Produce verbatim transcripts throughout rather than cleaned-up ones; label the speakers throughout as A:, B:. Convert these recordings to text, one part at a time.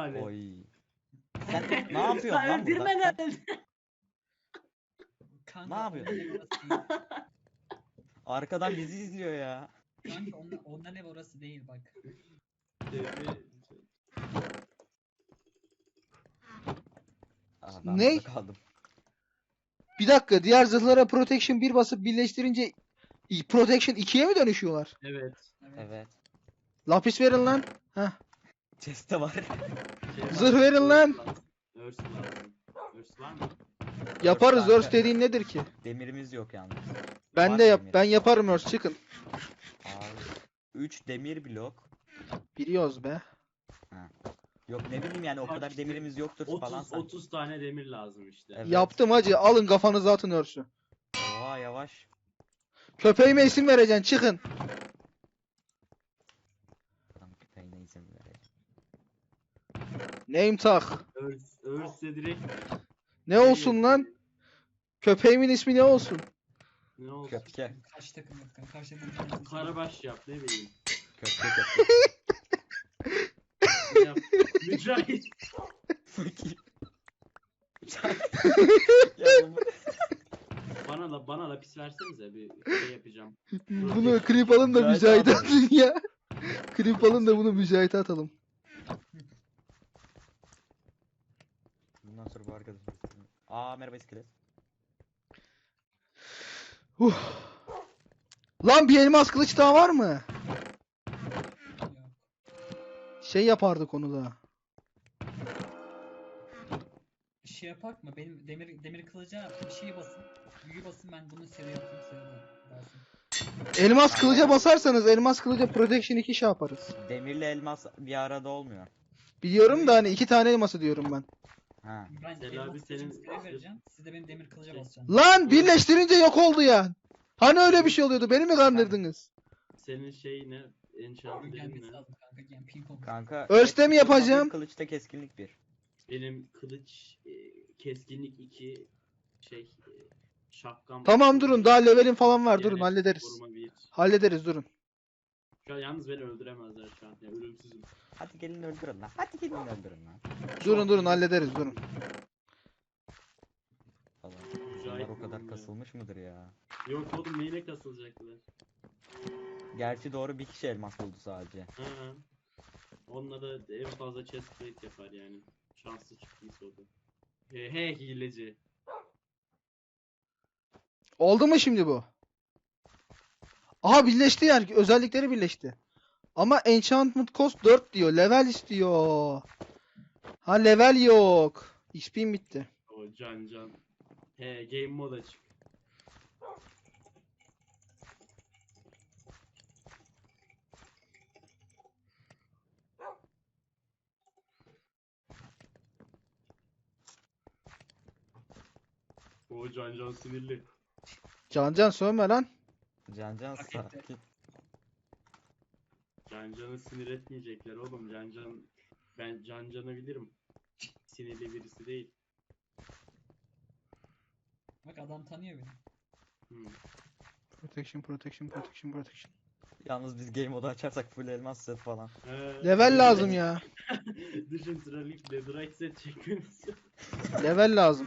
A: ihtimali.
B: Oy. Sen ne yapıyorsun
C: Lan
B: lan burada?
C: öldürme
B: Sen
C: lan.
D: Kanka,
B: Ne yapıyorsun?
D: onların ev orası değil.
B: arkadan bizi izliyor ya.
D: Kanka onlar, onların ev orası değil bak.
A: Devre-
B: Aa, ben
E: Ne?
B: burada kaldım.
E: Bir dakika, diğer zırhlara protection bir basıp birleştirince i- protection ikiye mi dönüşüyorlar?
A: Evet.
D: Evet.
B: Evet.
E: Lapis verin lan. Heh.
B: Chest'te var.
A: Şey var,
E: Zırh verin lan.
A: Örs lazım. Örs var mı?
E: Yaparız.
B: kanka.
E: Örs dediğin nedir ki?
B: Demirimiz yok yalnız.
E: Ben
B: Var
E: de yap
B: demir.
E: ben yaparım örs, çıkın.
B: Abi. üç demir blok.
E: Biliyoruz be.
B: Yok ne bileyim yani o
A: Bak
B: kadar
A: işte,
B: demirimiz yoktur falan
A: otuz
B: sanki.
A: otuz tane demir lazım işte.
B: Evet.
E: Yaptım hacı. Alın kafanıza atın örsü.
B: Oha yavaş.
E: Köpeğime isim vereceksin. Çıkın.
B: Adam köpeğine izin verecek.
E: Name tag.
A: Örs, örs de direkt
E: Ne olsun lan? Köpeğimin ismi ne olsun?
A: ne olsun?
B: Köpke.
D: Karşı takım yok kanka. Karşı takım.
A: Karabaş yap ne bileyim.
B: Köpke köpke.
A: Ne yap? Mücahit.
B: Fakir. ya bunu...
A: Bana da bana da pis versenize bir şey yapacağım.
E: Bunu creep alın da
B: Mücahit
E: mücahit
B: abi.
E: atın ya. Creep alın da bunu mücahit atalım.
B: Bundan sonra bu arkadaş. Aa merhaba iskelet.
E: Huh. Lan bir elmas kılıç daha var mı?
D: Yok.
E: Şey yapardık onu da.
D: Bir şey yapak mı? Benim demir demir kılıca bir şey basın. Büyü basın, ben bunu seri yapayım, seri basın.
E: Elmas kılıca basarsanız elmas kılıca protection iki şey yaparız.
B: Demirle elmas bir arada olmuyor.
E: Biliyorum da hani iki tane elması diyorum ben.
B: Ha.
D: Ben
A: Selami
D: elmas kılıcımı
A: senin-
D: seri vereceğim. Siz de benim demir kılıca basacaksınız.
E: Lan birleştirince yok oldu ya. Hani öyle bir şey oluyordu, beni mi kandırdınız?
A: Senin şey ne? Enchant'ın
D: Gelmesi
A: ne?
D: lazım kanka. Yani ping pong.
B: Kanka.
E: Örste mi
B: keskinlik bir,
E: yapacağım?
B: Kılıçta keskinlik bir.
A: Benim kılıç e, keskinlik iki şey e, şapkam.
E: Tamam durun, daha levelin falan var, durun
A: Yani
E: hallederiz.
A: koruma bir.
E: Hallederiz durun.
A: Şu an yalnız beni öldüremezler şu an. Yani ölümsüzüm.
B: Hadi gelin öldürün lan. Hadi gelin öldürün lan.
E: Durun durun hallederiz durun.
B: Falan.
A: Mücahit
B: Bunlar o kadar
A: oğlum ya.
B: kasılmış mıdır ya?
A: Yok oğlum neyine kasılacaklar?
B: Gerçi doğru bir kişi elmas buldu sadece.
A: Ha. Onunla da en fazla chest plate yapar yani. Şanslı çıktıysa o da. He, he hileci.
E: Oldu mu şimdi bu? Aha birleşti yani, özellikleri birleşti. Ama enchantment cost dört diyor, level istiyor. Ha level yok. X P'm bitti.
A: O can can. He game mode açık. O can can sinirli.
E: Can can sövme lan.
B: Can can
D: Hak etti.
B: sakin.
A: Can canı sinir etmeyecekler oğlum. Can can ben can canı bilirim. Sinirli birisi değil.
D: Bak adam tanıyor beni.
A: Hmm.
E: Protection protection protection protection.
B: Yalnız biz game modu açarsak full elmas set falan.
A: He,
E: Level lazım ya.
A: Düşün trafik netherite set çekmemizi.
E: Level lazım.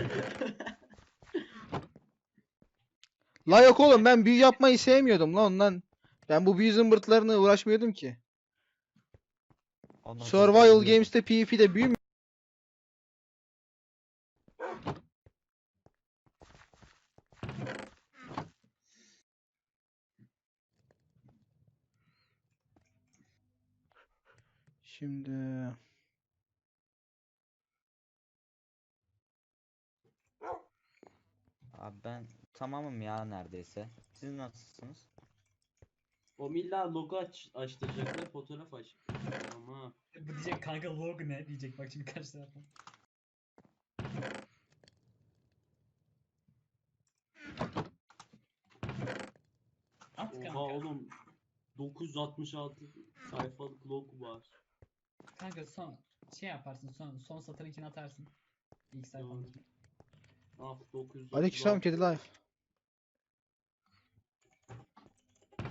E: La yok oğlum, ben büyü yapmayı sevmiyordum lan ondan. Ben bu büyü zımbırtlarına uğraşmıyordum ki.
B: Ondan sonra
E: Survival
B: ölüyordum.
E: Games'te PvP'de büyü mü? Şimdi
B: Abi ben tamamım ya neredeyse. Siz nasılsınız?
A: O milla logo aç, açtıracaklar fotoğraf aç. Ama
D: Bu diyecek kanka log ne diyecek, bak şimdi karşı tarafa. At
A: oha
D: kanka.
A: oğlum dokuz yüz altmış altı sayfalık log var.
D: Kanka son şey yaparsın, son son satırınkini atarsın. İlk sayfandaki.
A: Ah dokuz yüz
E: Aleykümselam kedi life.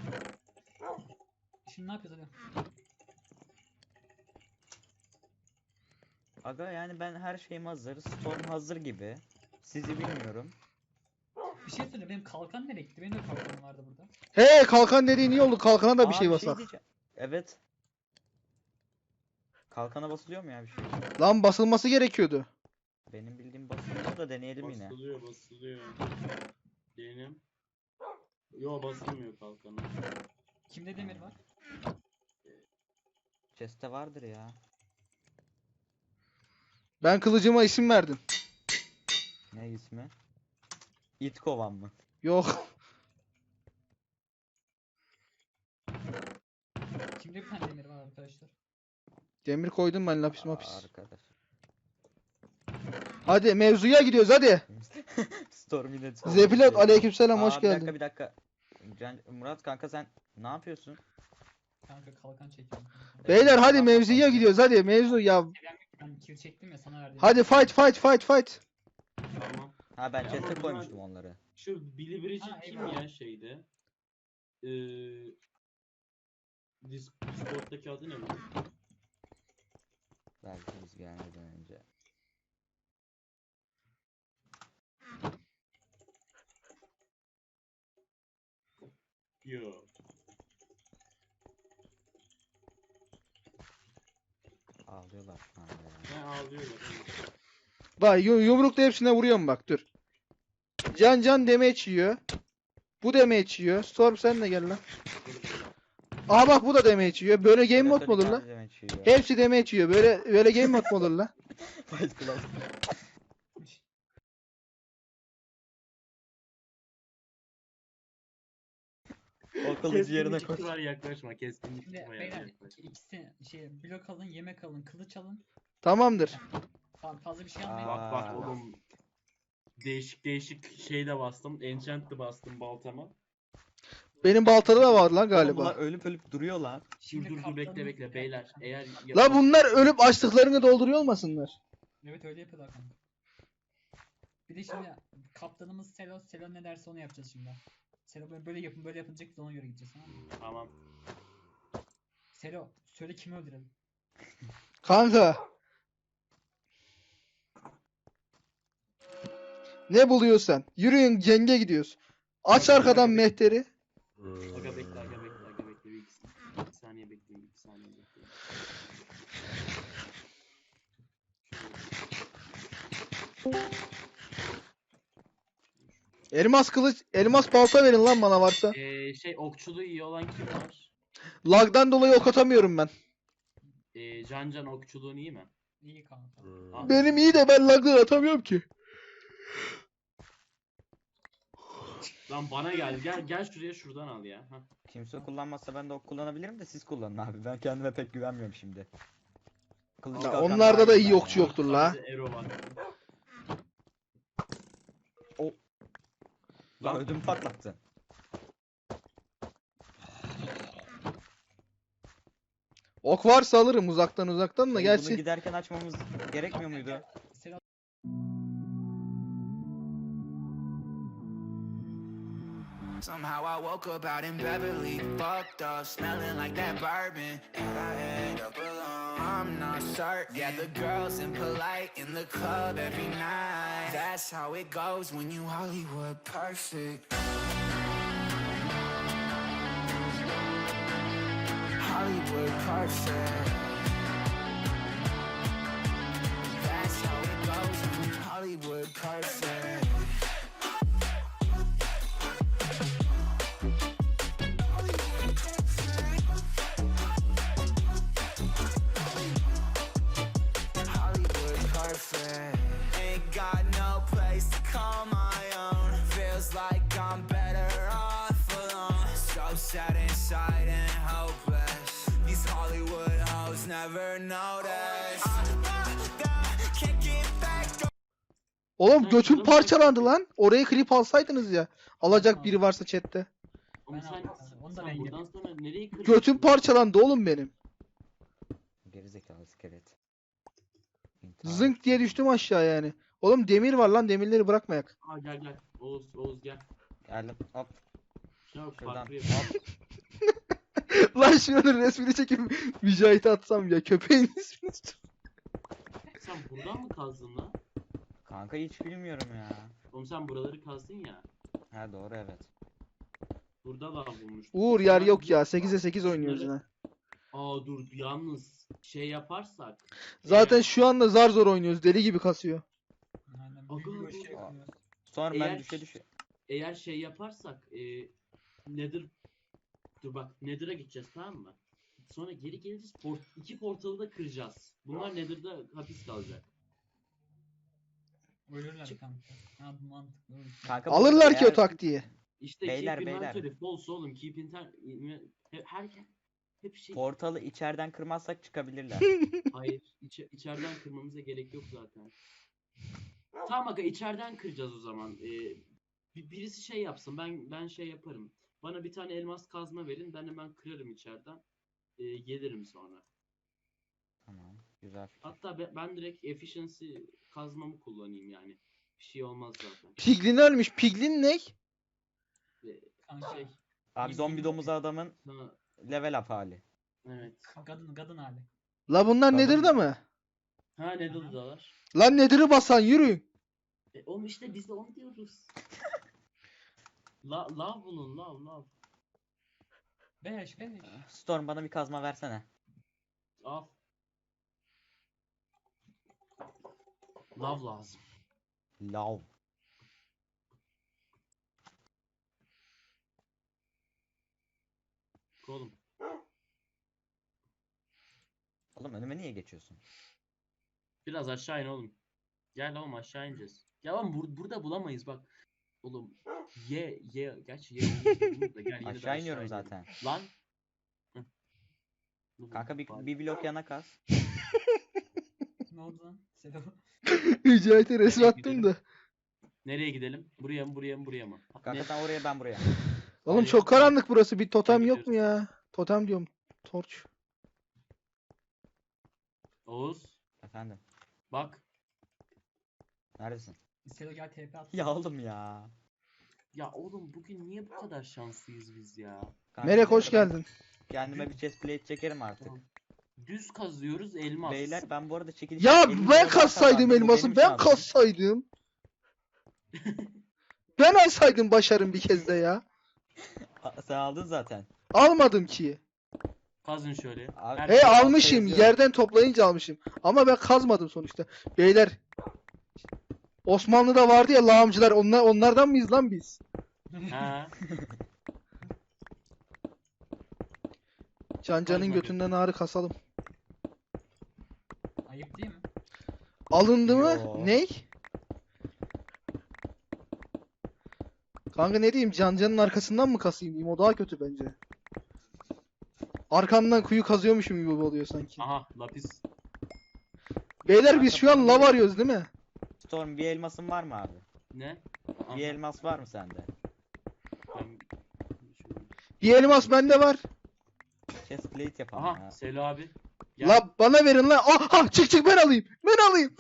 D: Şimdi ne yapıyoruz hadi?
B: Aga yani ben her şeyim hazır. Storm hazır gibi. Sizi bilmiyorum.
D: Bir şey söyle, benim kalkan nereye gitti? Benim de kalkanım vardı burada.
E: He kalkan dediğin iyi oldu. Kalkana da bir
B: Aa,
E: şey basak.
B: diyeceğim. Evet. Kalkana basılıyor mu ya bir şey?
E: Lan basılması gerekiyordu.
B: Benim bildiğim basılıyor da deneyelim yine.
A: Basılıyor basılıyor. Diyelim. Yo basılmıyor kalkanı.
D: Kimde demir var?
B: Chest'te vardır ya.
E: Ben kılıcıma isim verdim.
B: Ne ismi? İt kovan mı?
E: Yok.
D: Kimde bir tane demir var arkadaşlar?
E: Demir koydum ben lapis mapis.
B: Arkadaş.
E: Hadi mevzuya gidiyoruz hadi.
B: Storm yine
E: Zepilot aleykümselam
B: Aa,
E: hoş
B: bir dakika
E: geldin.
B: bir dakika. Can, Murat kanka sen ne yapıyorsun?
D: Kanka kalkan çekiyorum. kanka.
E: Beyler hadi
B: Tamam,
E: mevzuya
B: tamam.
E: gidiyoruz hadi mevzu ya.
D: Ben kill çektim ya, sana verdim.
E: Hadi fight fight fight fight.
A: Tamam.
B: Ha ben
A: Ya
B: chest'e
A: ama
B: koymuştum
A: bunlar-
B: onları.
A: Şu Billy Bridget
D: Ha,
A: kim
D: eyvallah.
A: ya şeyde? Ee, Dis Discord'daki adı ne bu?
B: Belki biz gelmeden önce.
A: Yo.
B: Ağlıyorlar şu anda ya.
A: Ne ağlıyorlar.
E: Bak yu- yumrukla hepsine vuruyorum bak dur. Can can damage yiyor. Bu damage yiyor. Storm sen de gel lan. Aha bak bu da damage yiyor. Böyle game mod mu olur lan? Hepsi damage yiyor. Böyle böyle game mod mu olur lan?
B: Fight Club. O kılıcı yerine koy.
A: Keskinlik var yaklaşma. Keskinlik
D: Şimdi
A: var
D: beyler
A: yaklaşma.
D: ikisi şey blok alın, yemek alın, kılıç alın.
E: Tamamdır.
D: Fa- Fazla bir şey
B: Aa.
D: almayın.
A: Bak bak
B: Aa.
A: oğlum. Değişik değişik şey de bastım. Enchant de bastım baltama.
E: Benim baltada da var lan
B: Oğlum bunlar
E: galiba.
B: ölüp ölüp duruyor lan.
A: Dur
D: Şimdi
A: dur dur bekle
D: kaptanımız-
A: bekle beyler. Eğer
E: La bunlar ölüp açlıklarını dolduruyor olmasınlar?
D: Evet öyle yapıyorlar kanka. Bir de şimdi kaptanımız Selo, Selo ne derse onu yapacağız şimdi. Selo böyle, böyle yapın, böyle yapınca biz ona göre gideceğiz, tamam mı?
A: Tamam.
D: Selo söyle kimi öldürelim.
E: Kanka. Ne buluyorsan. Yürüyün cenge gidiyoruz. Aç arkadan mehteri.
A: Aga bekle aga bekle aga bekle. Bir iki, iki saniye bekleyin. iki saniye bekleyin.
E: Elmas kılıç, elmas balta verin lan bana varsa.
A: Ee, şey okçuluğu iyi olan kim var?
E: Lagdan dolayı ok atamıyorum ben.
A: Ee, Can Can okçuluğun iyi mi?
D: İyi kanka.
A: Al.
E: Benim iyi de ben lagdan atamıyorum ki.
A: Lan bana gel. Gel gel şuraya şuradan al ya. Hah.
B: Kimse kullanmazsa ben de ok kullanabilirim de siz kullanın abi. Ben kendime pek güvenmiyorum şimdi. Kılıcı
E: Ya
B: kalkan
E: onlarda
B: daha
E: da
B: iyi
E: iyi
B: bence
E: okçu
B: ya.
E: yoktur la.
A: Sadece Ero var.
B: Lan ödümü patlattın.
E: Ok varsa alırım uzaktan uzaktan da
B: Bunu
E: gerçi.
B: giderken açmamız gerekmiyor muydu?
D: Selo
C: Somehow I woke up out in Beverly, fucked up, smelling like that bourbon. And I end up alone. I'm not certain. Yeah, the girls impolite in the club every night. That's how it goes when you Hollywood perfect. Hollywood perfect. That's how it goes when you Hollywood perfect. Hollywood perfect. Ain't got no place to call my own. Feels like I'm better off alone. So sad inside and hopeless. These Hollywood hoes never notice. Can't get back.
E: Oğlum götüm parçalandı lan. Oraya klip alsaydınız ya. Alacak biri varsa chatte.
A: Oğlum
D: Ben
A: sen,
D: aldım kanka, onu da ben
A: sen buradan
D: yedim.
A: sonra nereye kırıyorsun?
E: Götüm parçalandı oğlum benim.
B: Gerizekalı iskelet. İntihar.
E: Zınk diye düştüm aşağı yani. Oğlum demir var lan, demirleri bırakmayak.
A: Aa gel gel. Oğuz Oğuz gel.
B: Geldim. Hop.
A: Şuna
B: Şuradan.
A: farklı yap.
B: Hop.
E: Lan şunun resmini çekip Mücahit'e atsam ya, köpeğin ismini.
A: sen buradan mı kazdın lan?
B: Kanka hiç bilmiyorum ya.
A: Oğlum sen buraları kazdın ya.
B: Ha doğru evet.
A: Burada lav bulmuştuk.
E: Uğur yer
A: Ben
E: yok
A: bir-
E: ya. sekize sekiz oynuyoruz
A: Şunları-
E: yine.
A: Aa dur yalnız şey yaparsak.
E: Zaten
A: eğer-
E: şu anda zar zor oynuyoruz. Deli gibi kasıyor.
D: Aynen.
A: Aga,
D: Büyük bir şey
A: aga.
D: yapıyoruz.
B: Sonra ben
A: Eğer-
B: düşe düşe.
A: Eğer şey yaparsak e, Nether dur bak Nether'a gideceğiz tamam mı? Sonra geri geleceğiz. Port, iki portalı da kıracağız. Bunlar Nether'da hapis kalacak.
D: Ölürler
A: Çık.
D: kanka. Ha bu mantıklı. olur.
B: Kanka bu
E: Alırlar ki o
B: eğer-
E: taktiği.
A: İşte
B: Beyler,
A: keep
B: beyler.
A: inventory false oğlum. Keep inter... Hep, herkes hep şey...
B: Portalı içeriden kırmazsak çıkabilirler.
A: Hayır. içe- içeriden kırmamıza gerek yok zaten. Tamam aga içeriden kıracağız o zaman. Ee, bir, birisi şey yapsın. Ben ben şey yaparım. Bana bir tane elmas kazma verin. Ben hemen kırarım içeriden. Ee, gelirim sonra.
B: Tamam. Güzel fikir.
A: Hatta be- ben direkt efficiency kazmamı kullanayım yani. Bir şey olmaz zaten.
E: Piglin ölmüş. Piglin ne?
A: Ee,
D: Kanka.
A: şey,
B: Abi zombi domuz adamın
A: ha,
B: level up hali.
A: evet.
D: Kadın kadın hali.
E: La bunlar
B: Kadın-
E: Nether'da mı?
A: Ha ne dalar?
E: Lan Nether'ı basan yürüyün.
A: E, oğlum işte biz de onu diyoruz. La, lav bulun lav lav.
D: Beş beş.
B: Storm bana bir kazma versene.
A: Al. Lav lazım.
B: Lav.
A: Oğlum.
B: Oğlum önüme niye geçiyorsun?
A: Biraz aşağı in oğlum. Gel oğlum aşağı ineceğiz. Ya oğlum bur- burada bulamayız bak. Oğlum ye ye gerçi ye buluruz da gel yine de
B: Aşağı iniyorum
A: inelim.
B: zaten.
A: Lan. Hı. Dur,
B: Kanka bir,
A: bari.
B: bir blok yana kaz.
D: Ne oldu lan? Selam.
E: Mücahit'e resmi
A: Nereye
E: attım
A: gidelim?
E: da.
A: Nereye gidelim? Buraya mı buraya mı buraya mı?
B: Kanka
A: Ne?
B: sen oraya ben buraya.
E: Oğlum
A: Hayır,
E: çok
A: tamam.
E: karanlık burası. Bir totem
A: Hadi
E: yok mu ya? Totem diyorum. Torç.
A: Oğuz
B: Efendim.
A: bak.
B: Neredesin?
D: Selo gel T P at.
B: Ya oğlum ya.
A: Ya oğlum bugün niye bu kadar şanslıyız biz ya?
B: Kanka,
E: Melek hoş
B: neyse ben
E: geldin.
B: Kendime bir chest plate çekerim artık.
A: Tamam. Düz kazıyoruz elmas.
B: Beyler ben bu arada çekiliş
E: Ya
B: elli
E: ben
B: dolar
E: kassaydım
B: kazandım, bu
E: elması.
B: benim
E: Ben
B: şansım.
E: kassaydım. Ben alsaydım başarım bir kez de ya.
B: A- Sen aldın zaten.
E: Almadım ki.
A: Kazın şöyle.
B: Abi-
A: Her
E: He
B: Hey, altta
E: almışım.
B: yazıyor.
E: Yerden toplayınca almışım. Ama ben kazmadım sonuçta. Beyler. Osmanlı'da vardı ya lağımcılar. Onlar, onlardan mıyız lan biz?
A: Ha.
E: Can Can'ın
A: Kazma
E: götünden ağrı kasalım.
D: Ayıp değil mi?
E: Alındı mı?
B: Yo.
E: Ney? Kanka ne diyeyim? Can Can'ın arkasından mı kasayım diyeyim? O daha kötü bence. Arkamdan kuyu kazıyormuşum gibi oluyor sanki.
A: Aha lapis.
E: Beyler biz şu an lav arıyoruz değil mi?
B: Storm bir elmasın var mı abi?
A: Ne? Aha,
B: Bir elmas var mı sende?
A: ben-
E: Bir elmas bende var.
B: Chest plate yapalım
A: Aha
B: ya.
A: Selo abi. Gel.
E: La bana verin lan. Aha çık çık ben alayım. Ben alayım.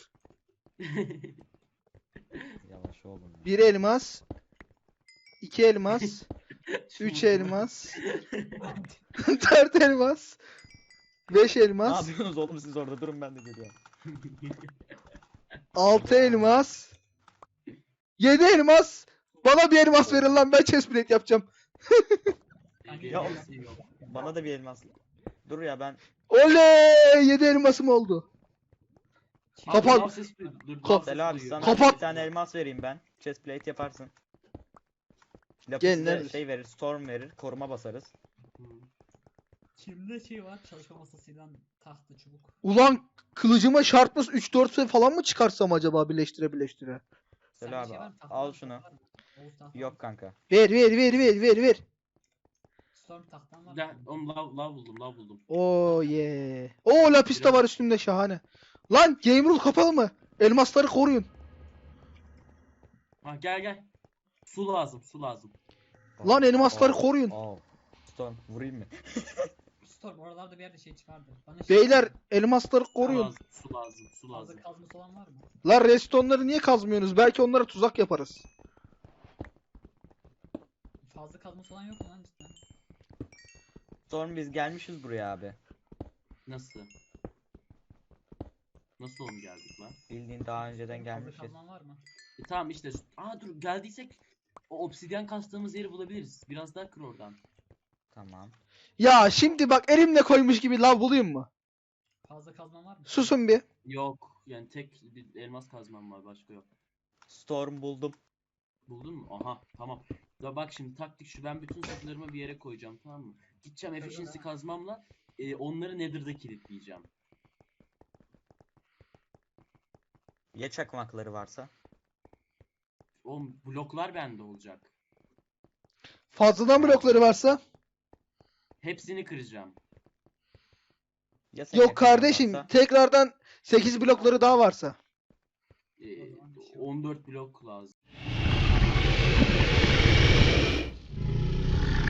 B: Yavaş oğlum ya.
E: Bir elmas. iki elmas. Üç elmas. Dört elmas. Beş
B: Ne
E: elmas.
B: yapıyorsunuz oğlum siz orada durun ben de geliyorum.
E: Altı elmas. Yedi elmas. Bana bir elmas verin lan ben chestplate yapacağım.
B: Ya oğlum, bana da bir elmas. Dur ya ben
E: Oley! Yedi elmasım oldu.
D: Kim-
E: Kapat.
A: Dur, lav sesi duy- dur, lav
E: Kop-
A: sesi
B: Selo abi
A: duyuyor.
B: sana
E: Kapat.
B: bir tane elmas vereyim ben. Chest plate yaparsın. Lapis
E: Gel,
B: de
E: neredesin?
B: şey verir, storm verir, koruma basarız.
A: Hı.
D: Kimde şey var? Çalışma masasıyla tahta çubuk.
E: Ulan kılıcıma şartmış üç dört falan mı çıkarsam acaba birleştire birleştire?
B: Selo
D: Sende
B: abi,
D: şey var mı? Tahta
B: al
D: var,
B: şunu.
D: tahta var mı? Oğuz tahta var mı?
B: Yok kanka.
E: Ver ver ver ver ver ver.
D: Storm tahtan var mı?
A: Gel oğlum lav, lav buldum lav buldum.
E: Oo ye. Oo lapis de var üstümde şahane. Lan game rule kapalı mı? Elmasları koruyun.
A: Ha gel gel. Su lazım su lazım.
E: Lan elmasları
B: Oo,
E: koruyun.
B: oo. Storm vurayım mı?
D: Storm oralarda bir yerde şey çıkardı. Bana şey
E: Beyler elmasları
A: Su
E: koruyun.
A: lazım su lazım su lazım.
D: Fazla kazması olan var mı?
E: Lan redstone'ları niye kazmıyorsunuz? Belki onlara tuzak yaparız.
D: Fazla kazması olan yok mu lan cidden?
B: Storm biz gelmişiz buraya abi.
A: Nasıl? Nasıl oğlum geldik lan?
B: Bildiğin daha önceden
D: Fazla
B: gelmişiz.
D: kazman var mı?
A: E, tamam işte. Aa dur geldiysek o obsidyen kastığımız yeri bulabiliriz. Biraz daha kır oradan.
B: Tamam.
E: Ya şimdi bak elimle koymuş gibi lav bulayım mı?
D: Fazla kazman var mı?
E: Susun bir.
A: Yok. Yani tek bir elmas kazmam var. Başka yok.
B: Storm buldum.
A: Buldun mu? Aha tamam. Ya bak şimdi taktik şu, ben bütün saplarımı bir yere koyacağım, tamam mı? Gideceğim efficiency
D: Öyle.
A: kazmamla e, onları Nether'da kilitleyeceğim.
B: Ya çakmakları varsa?
A: O bloklar bende olacak.
E: Fazladan blokları varsa?
A: Hepsini kıracağım.
B: Ya senin
E: Yok
B: yakınında
E: kardeşim.
B: varsa?
E: Tekrardan sekiz blokları daha varsa.
A: E,
D: O zaman bir şey yok.
A: on dört blok lazım.